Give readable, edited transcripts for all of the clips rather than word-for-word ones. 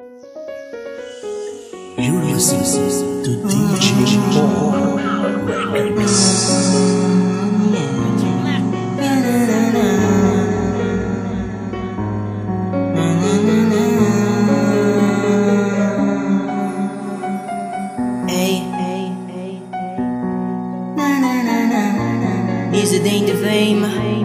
You're listening to DJ Paul Records. Is it ain't the fame?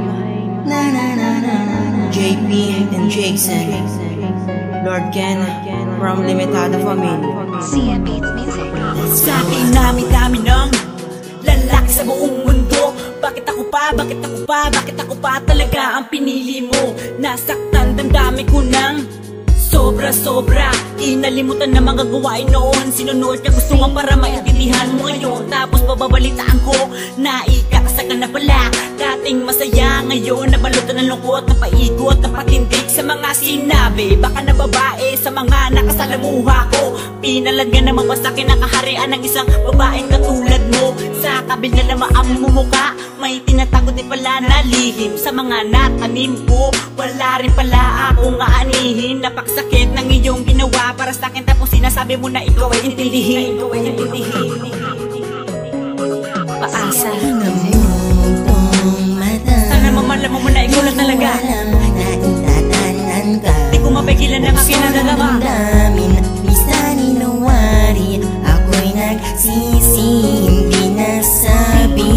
JP and Jason, Lord Ken from Limitada Family. CM Beats Music. Sa akin dami ng lalaki sa buong mundo. Bakit ako pa? Bakit ako pa? Bakit ako pa talaga ang pinili mo? Nasaktan damdamin ko ng sobra. Inalimutan na mga gawain noon. Sinunod ka gusto nga para maintindihan mo ngayon. Tapos bababalitaan ko na ikakasaka na pala. Dating masaya ngayon nabalutan ng lungkot, napaikot, napatindig sa mga sinabi. Baka na babae sa mga nakasalamuha ko. Pinalad nga naman ba sa'kin ang kaharian ng isang babaeng katulad mo? Sa kabila na maamumuka, may tinatago din pala na lihim sa mga natanim ko. Wala rin pala akong aanihin. Napakasakit ng iyong ginawa para sa'kin, tapos sinasabi mo na ikaw ay intindihin. Paasa sana mamalaman mo na ikaw lang talaga. Di ko mapigilan ang aking nagagawa. Minsan inuwari, ako'y nagsisi, hindi nasabi.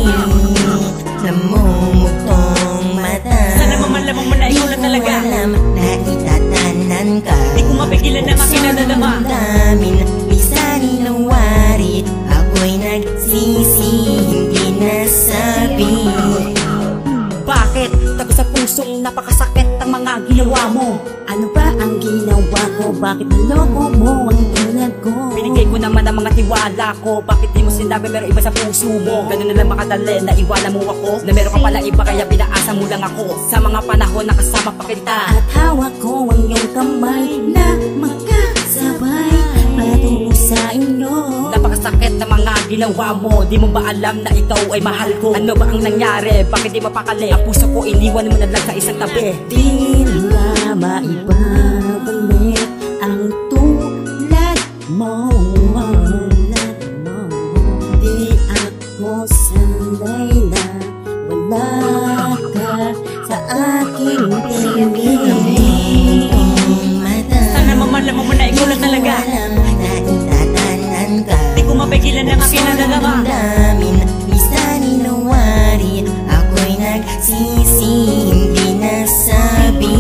Namumutong mata, sana mamalaman mo na ikaw lang talaga. Naitatanan ka, di ko mapigilan ang aking nagagawa. Minsan inuwari, ako'y nagsisi, hindi nasabi. Bakit? Tago sa pusong napakasakit ang mga ginawa mo. Ano ba ang ginawa ko? Bakit naloko mo ang tulad ko? Binigay ko naman ang mga tiwala ko. Bakit di mo sinabi meron iba sa puso mo? Ganun na lang makadali na iwala mo ako. Na meron ka pala iba kaya pinaasa mo lang ako. Sa mga panahon na kasama pa kita. At hawak ko ang iyong kamay na magkasabay patungo sa inyo. Napakasakit na mga ginawa mo. Di mo ba alam na ikaw ay mahal ko? Ano ba ang nangyari? Bakit di mapakali? Ang puso ko iniwan mo na lang sa isang tabi. Di na maibabalik ang tulad mo. Di ako sanay na wala ka sa aking piling. Sana mamalaman mo na ikaw lang talaga. Di ko mapigilan ang aking nagagawa. Minsan inuwari, ako'y nagsisi, hindi nasabi.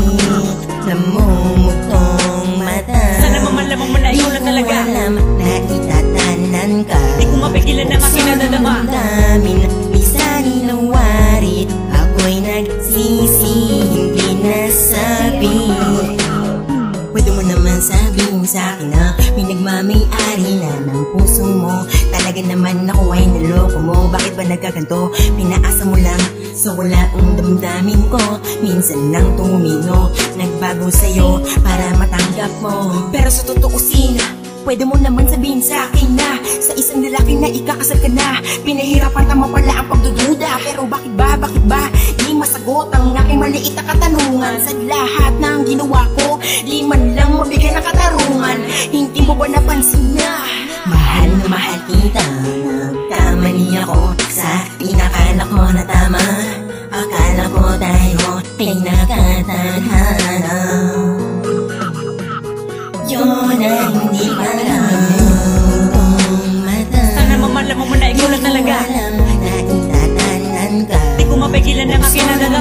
Namumutong mata, sana mamalaman mo na ikaw lang talaga. Naitatanan ka, di ko mapigilan ang aking nagagawa. Minsan inuwari, ako'y nagsisi, hindi nasabi. Pwede mo naman sabihin sa'kin na may nagmamay-ari na ng puso mo. Talaga naman ako ay naloko mo. Bakit ba nagkaganto? Pinaasa mo lang sa wala ang damdamin ko. Minsan nang tumino, nagbago sa'yo para matanggap mo. Pero sa tutuusin, pwede mo naman sabihin sa akin na sa isang lalaki na ikakasal ka na. Pinahirapan tama pala ang pagdududa. Pero bakit ba di masagot ang aking maliit na katanungan? Sa lahat ng ginawa ko, di man lang mabigyan ng katarungan. Hindi mo ba napansin na mahal na mahal kita? Nagkamali ako sa pinakala ko na tama. Akala ko tayo ay nakatadhana. Yun ang hindi pala. Sana mamalaman mo na ikaw lang talaga. Naitatanan ka, di ko mapigilan ang aking nagagawa.